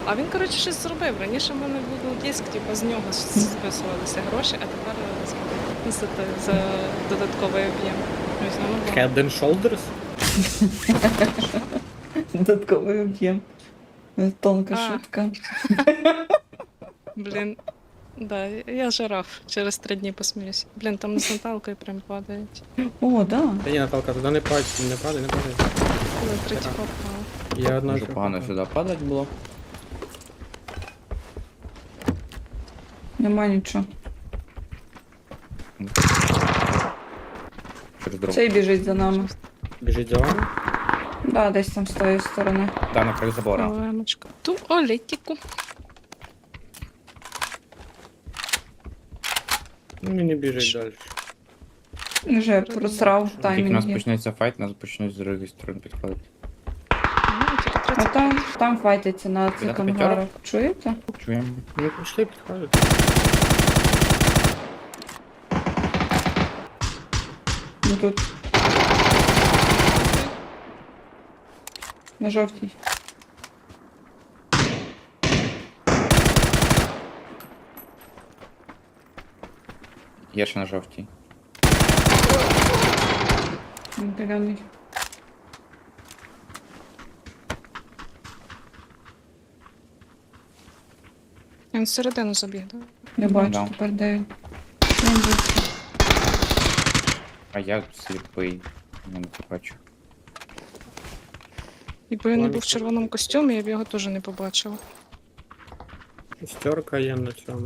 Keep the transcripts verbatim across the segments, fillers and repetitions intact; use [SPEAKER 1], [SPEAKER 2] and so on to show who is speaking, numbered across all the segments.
[SPEAKER 1] А він, коротше, щось зробив. Раніше в мене був диск, типу, з нього списувалися гроші, а тепер за, за, за додатковий об'єм. Ось, ну, ну,
[SPEAKER 2] Head and Shoulders?
[SPEAKER 3] Додатковий об'єм. Тонка
[SPEAKER 1] А.
[SPEAKER 3] шутка.
[SPEAKER 1] Блін, да, я жираф. Через три дні посміюся. Блін, там з Наталкою прям падають.
[SPEAKER 3] О, да.
[SPEAKER 2] Та ні, Наталка, туди не падай, не падай, не падай.
[SPEAKER 1] Коли третій попав.
[SPEAKER 2] Я одна
[SPEAKER 4] Може
[SPEAKER 2] вже
[SPEAKER 4] погано
[SPEAKER 2] попав.
[SPEAKER 4] сюди падать було.
[SPEAKER 3] Нема нічого.
[SPEAKER 4] Через дорогу.
[SPEAKER 3] Цей біжить за нами.
[SPEAKER 2] Біжить за вами?
[SPEAKER 3] Да, десь там з тої сторони.
[SPEAKER 4] Да, на краю забора.
[SPEAKER 1] Олемочка. Туалетіку.
[SPEAKER 2] Ну, мені біжить далі.
[SPEAKER 3] Вже просрав
[SPEAKER 4] Тільки у нас
[SPEAKER 3] таймінги.
[SPEAKER 4] почнеться файт, нас почнуть з другої сторони підходити.
[SPEAKER 1] Ну, тільки
[SPEAKER 3] А
[SPEAKER 1] тридцять.
[SPEAKER 3] там, там файтиться на цих
[SPEAKER 4] П'ятий
[SPEAKER 3] ангарах. Чуєте?
[SPEAKER 4] Чуємо.
[SPEAKER 2] Ну, пішли, підходять.
[SPEAKER 3] Ну тут. На жовтій.
[SPEAKER 4] Є ще на жовтій.
[SPEAKER 3] Він зелений.
[SPEAKER 1] Він всередину забіг, так?
[SPEAKER 3] Я бачу
[SPEAKER 4] Да.
[SPEAKER 3] тепер де він. Він десь.
[SPEAKER 4] А я сліпий. Я не бачу.
[SPEAKER 1] Якби він не був в червоному костюмі, я б його теж не побачила.
[SPEAKER 2] Шестерка є на цьому.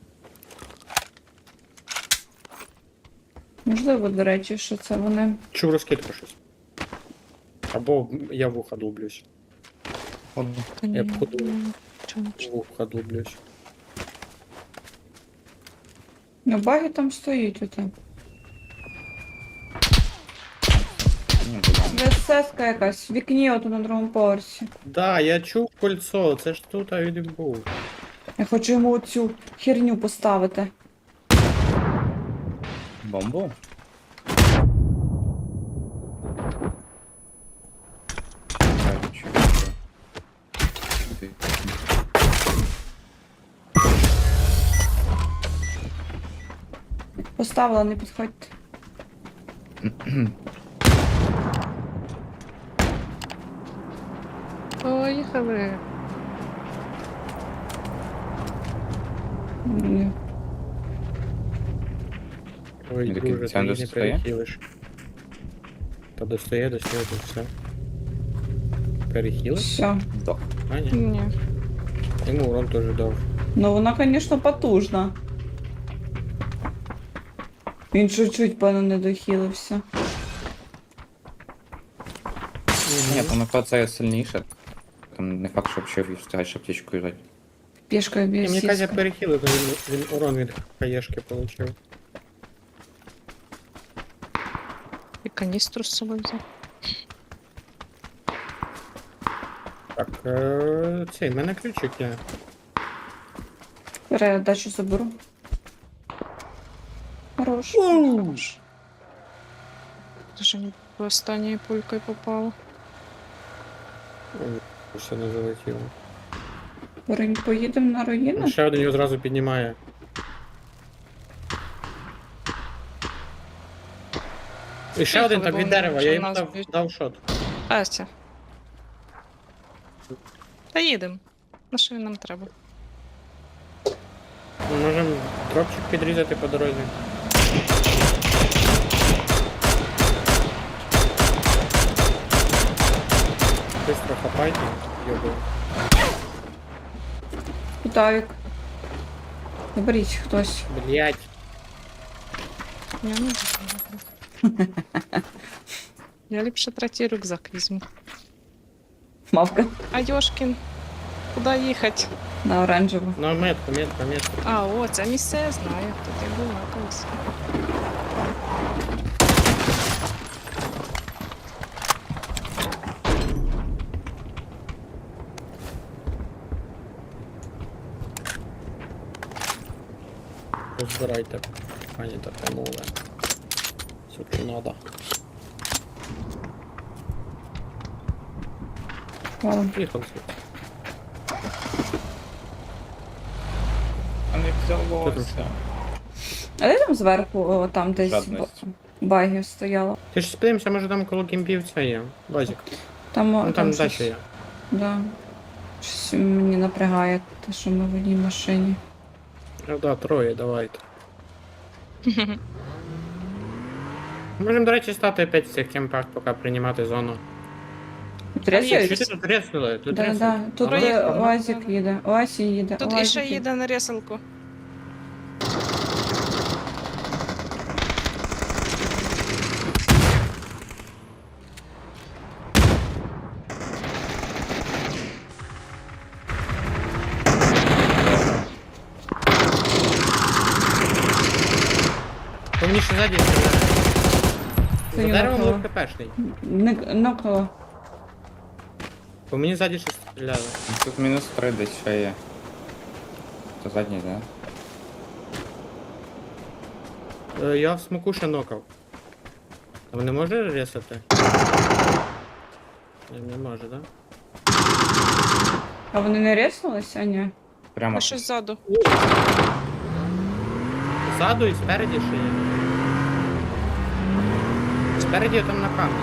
[SPEAKER 3] Можливо, до речі, що це вони.
[SPEAKER 2] Чув розкидку щось. Або я в вуха дублюсь.
[SPEAKER 4] Ладно.
[SPEAKER 1] Та ні,
[SPEAKER 2] Я б подумав.
[SPEAKER 1] ну, чого не
[SPEAKER 2] В
[SPEAKER 1] пішло?
[SPEAKER 2] вуха дублюсь.
[SPEAKER 3] Ну, баги там стоїть оте.
[SPEAKER 4] Ні, буде.
[SPEAKER 3] ВСС-ка якась в вікні ото на другому поверсі.
[SPEAKER 2] Да, я чув кольцо, це ж тут а він і був.
[SPEAKER 3] Я хочу йому оцю херню поставити.
[SPEAKER 4] Бомбу? Так, що це? Ти-
[SPEAKER 3] Поставила, не підходьте.
[SPEAKER 1] Поїхали.
[SPEAKER 3] Ні.
[SPEAKER 2] Ой,
[SPEAKER 4] Він такий
[SPEAKER 2] дуже, ти
[SPEAKER 4] центр
[SPEAKER 2] її не
[SPEAKER 4] достає?
[SPEAKER 2] перехилиш. Та достає, достає, то все. Перехилиш?
[SPEAKER 3] Все.
[SPEAKER 4] Здох.
[SPEAKER 2] А, ні.
[SPEAKER 1] Ні.
[SPEAKER 2] Йому урон теж дав.
[SPEAKER 3] Ну вона, звісно, потужна. Він чуть-чуть, певно, не дохилився.
[SPEAKER 4] Ні, там на це сильніше. Там не факт, що взагалі встигаєш аптечку їжджати.
[SPEAKER 3] Пішкою
[SPEAKER 2] Ні,
[SPEAKER 3] б'є
[SPEAKER 2] мені кажуть, я
[SPEAKER 3] сіська.
[SPEAKER 2] перехилив, то він, він урон від хаєшки отримав.
[SPEAKER 1] І каністру з собою взяв.
[SPEAKER 2] Так, е, цей, в мене ключик є.
[SPEAKER 3] Передачу заберу. Хорош.
[SPEAKER 1] Дуже не по останньою пулькою попало.
[SPEAKER 2] Ой, все не залетіло.
[SPEAKER 3] Поринь, поїдемо на руїну?
[SPEAKER 2] Ще один його зразу піднімає. І ще один там від дерева, я йому дав, дав шот.
[SPEAKER 1] Ася. Та їдемо. На що він нам треба?
[SPEAKER 2] Ми можемо дропчик підрізати по дорозі. Быстро хапайте, йобу.
[SPEAKER 3] Кутавік. Заберіть хтось.
[SPEAKER 2] Блять.
[SPEAKER 1] Я не буду. Я ліпше третій рюкзак візьму.
[SPEAKER 3] Мавка
[SPEAKER 1] А Йошкін, куди їхати?
[SPEAKER 3] на оранжеву.
[SPEAKER 2] Ну, метка, метка, метка.
[SPEAKER 1] А, о, це місце я знаю. Тут я була колись.
[SPEAKER 2] Розбирайте, пані та панове. Все, що надо.
[SPEAKER 3] Вау.
[SPEAKER 2] Поїхали.
[SPEAKER 4] взялося.
[SPEAKER 3] А де там зверху, о, там десь
[SPEAKER 4] Жадність.
[SPEAKER 3] б- багів стояло?
[SPEAKER 2] Ти ж сподивимося, може там коло кімпів це є. Базік.
[SPEAKER 3] Там, о,
[SPEAKER 2] Ну там
[SPEAKER 3] щось-
[SPEAKER 2] дача є.
[SPEAKER 3] Да. Щось мені напрягає те, що ми в одній машині.
[SPEAKER 2] Ну да, троє, давайте. Можемо, до речі, стати опять в цих кемпах, поки приймати зону.
[SPEAKER 3] Трясають?
[SPEAKER 2] Що ти тут реснули? Тут
[SPEAKER 3] Да,
[SPEAKER 2] реснули.
[SPEAKER 3] да. Тут
[SPEAKER 2] А,
[SPEAKER 3] е,
[SPEAKER 1] ну,
[SPEAKER 3] Уазик
[SPEAKER 1] да.
[SPEAKER 3] їде. Уазі їде.
[SPEAKER 1] Тут
[SPEAKER 3] Уазик
[SPEAKER 1] іще їде на ресалку.
[SPEAKER 2] По мені ще ззаді стріляє.
[SPEAKER 3] Це
[SPEAKER 2] За
[SPEAKER 3] я
[SPEAKER 2] деревом
[SPEAKER 3] нокнула.
[SPEAKER 2] був КПшний.
[SPEAKER 3] Не- Нокнула.
[SPEAKER 2] По мені ззаді ще стріляли.
[SPEAKER 4] Тут мінус три десь ще є. Це задній, да?
[SPEAKER 2] Е, Я в смоку ще нокав. Там не може ресати? Ні, не може, да?
[SPEAKER 3] А вони не реснулися? Ні.
[SPEAKER 4] Прямо.
[SPEAKER 1] А щось ззаду.
[SPEAKER 2] Ззаду і спереді ще є. Спереді там на камні.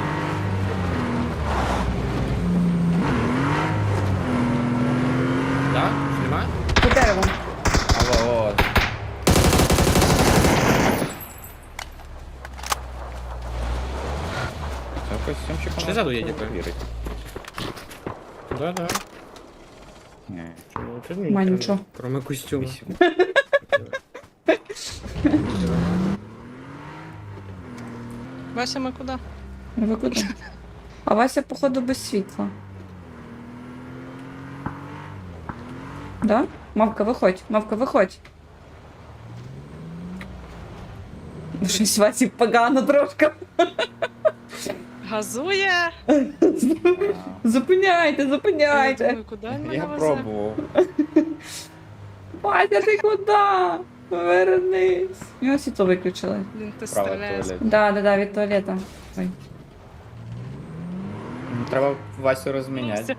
[SPEAKER 2] Так? Знімає?
[SPEAKER 3] По деревом.
[SPEAKER 4] Алло, от. Це костюмчик.
[SPEAKER 2] Ще ззаду є, дякую.
[SPEAKER 4] Вірить.
[SPEAKER 2] Да, да.
[SPEAKER 4] Ні.
[SPEAKER 2] Чому? Це ні,
[SPEAKER 3] Ма,
[SPEAKER 2] кроме-
[SPEAKER 3] нічого.
[SPEAKER 2] Кроме костюму.
[SPEAKER 4] Вісім.
[SPEAKER 1] Вася, ми куди?
[SPEAKER 3] Ви куди? А Вася, походу, без світла. Да? Мавка, виходь. Мавка, виходь. Щось Васі погано трошки.
[SPEAKER 1] Газує!
[SPEAKER 3] Зупиняйте,
[SPEAKER 1] Я
[SPEAKER 3] зупиняйте.
[SPEAKER 1] думаю, куди він мене
[SPEAKER 4] Я
[SPEAKER 1] везе?
[SPEAKER 4] пробував.
[SPEAKER 3] Вася, ти куди? Вернись. Його світло виключили.
[SPEAKER 1] Блін, ти
[SPEAKER 4] Право
[SPEAKER 1] стріляєш.
[SPEAKER 4] туалет.
[SPEAKER 3] Да, да, да, від туалета. Ой.
[SPEAKER 4] Ну, треба Васю розміняти.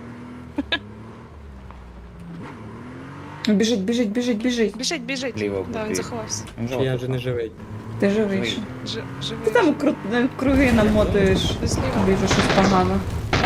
[SPEAKER 3] Біжить, біжить, біжить, біжить.
[SPEAKER 1] Біжить, біжить.
[SPEAKER 4] Ліво
[SPEAKER 1] Да, він
[SPEAKER 4] біжить.
[SPEAKER 1] заховався.
[SPEAKER 4] Він
[SPEAKER 2] Чи я вже
[SPEAKER 4] жовтий.
[SPEAKER 2] не живий?
[SPEAKER 3] Ти живий.
[SPEAKER 4] Живий.
[SPEAKER 3] ще.
[SPEAKER 1] Ж, живий.
[SPEAKER 3] Ти там кру... круги намотуєш.
[SPEAKER 1] Ти зліва.
[SPEAKER 3] Тобі вже щось погано.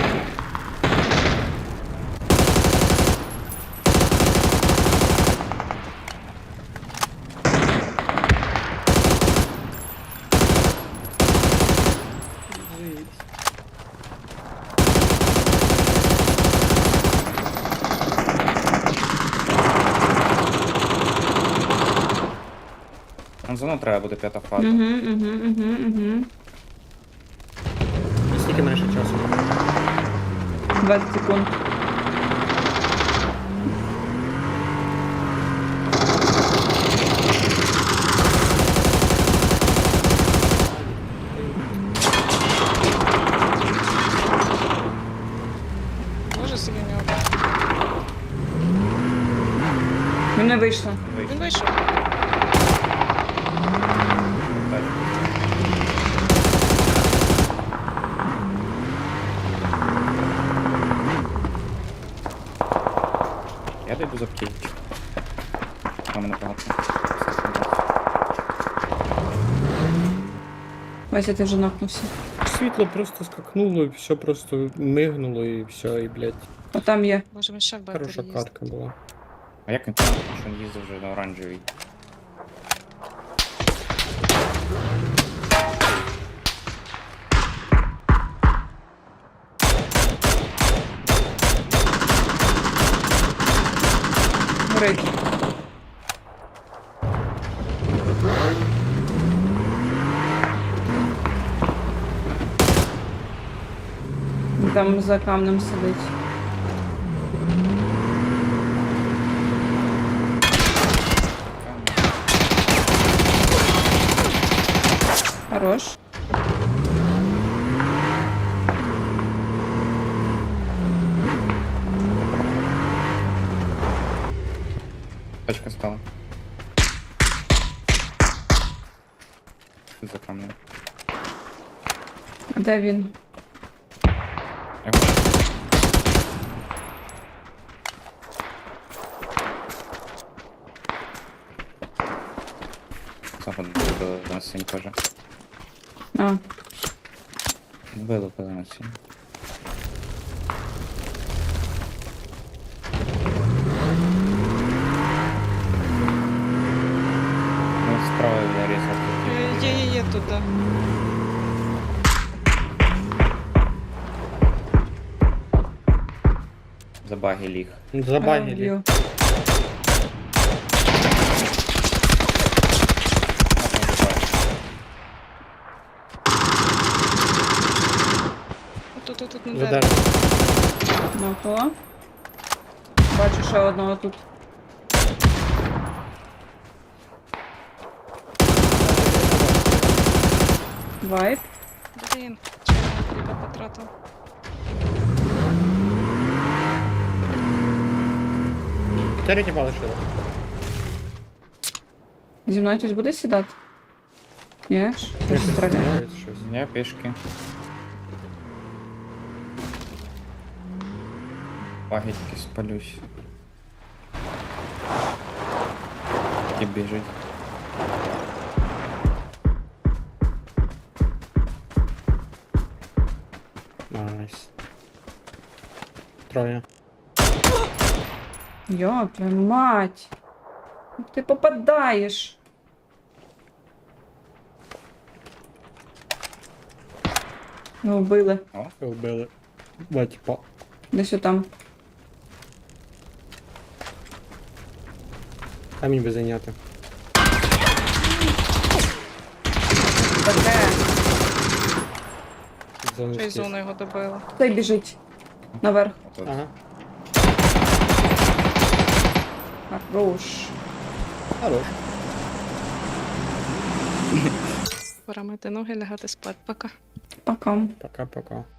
[SPEAKER 4] Нам зону треба буде п'ята фаза.
[SPEAKER 3] Угу, угу, угу, угу.
[SPEAKER 2] І скільки мене ще часу?
[SPEAKER 3] двадцять секунд.
[SPEAKER 1] Боже, собі нього.
[SPEAKER 3] Він не вийшло.
[SPEAKER 1] Він вийшов.
[SPEAKER 4] Я дойду за птічку. А мене багато.
[SPEAKER 3] Вася, ти вже нокнувся.
[SPEAKER 2] Світло просто скакнуло, і все просто мигнуло, і все, і, блядь,
[SPEAKER 3] О, там є.
[SPEAKER 1] Боже, він ще в
[SPEAKER 2] хороша
[SPEAKER 1] бетері їздить.
[SPEAKER 2] катка була.
[SPEAKER 4] А як він там, що він їздив вже на оранжевій?
[SPEAKER 3] Горить. Там за камнем сидить. Хорош.
[SPEAKER 4] Тачка стала. За камнем.
[SPEAKER 3] А де він?
[SPEAKER 4] Я хочу. Цього добили на синь теж.
[SPEAKER 3] А,
[SPEAKER 4] Били, били на синь. Ну, справа зарізав.
[SPEAKER 1] Е, Є, є, є тут, да.
[SPEAKER 4] За баги ліг.
[SPEAKER 2] Забагили.
[SPEAKER 3] б'ю.
[SPEAKER 1] Тут, тут, тут, на
[SPEAKER 2] За
[SPEAKER 1] дереві.
[SPEAKER 2] дерево.
[SPEAKER 3] Нокнула. Бачу ще одного тут. Вайп.
[SPEAKER 1] Блін, чого я хліба потратив.
[SPEAKER 2] Чотири тіпа лишили.
[SPEAKER 3] Зі мною хтось буде сідати? Ні? ж? Хтось стріляє.
[SPEAKER 2] Стріляють щось.
[SPEAKER 4] Я пішки. Баги тільки спалюсь. І біжить.
[SPEAKER 2] Найс. Троє.
[SPEAKER 3] Йо, твою мать. Як ти попадаєш? Його вбили.
[SPEAKER 2] Вбили. Два тіпа.
[SPEAKER 3] Десь отам.
[SPEAKER 2] Камінь би зайняти.
[SPEAKER 3] Таке.
[SPEAKER 2] Зону
[SPEAKER 1] Ще й
[SPEAKER 2] скрізь.
[SPEAKER 1] зону його добила.
[SPEAKER 3] Цей біжить. Наверх.
[SPEAKER 4] Отут.
[SPEAKER 2] Ага.
[SPEAKER 3] Хорош.
[SPEAKER 2] Хорош.
[SPEAKER 1] Пора мити ноги, лягати спати. Пока.
[SPEAKER 3] Пока.
[SPEAKER 2] Пока-пока.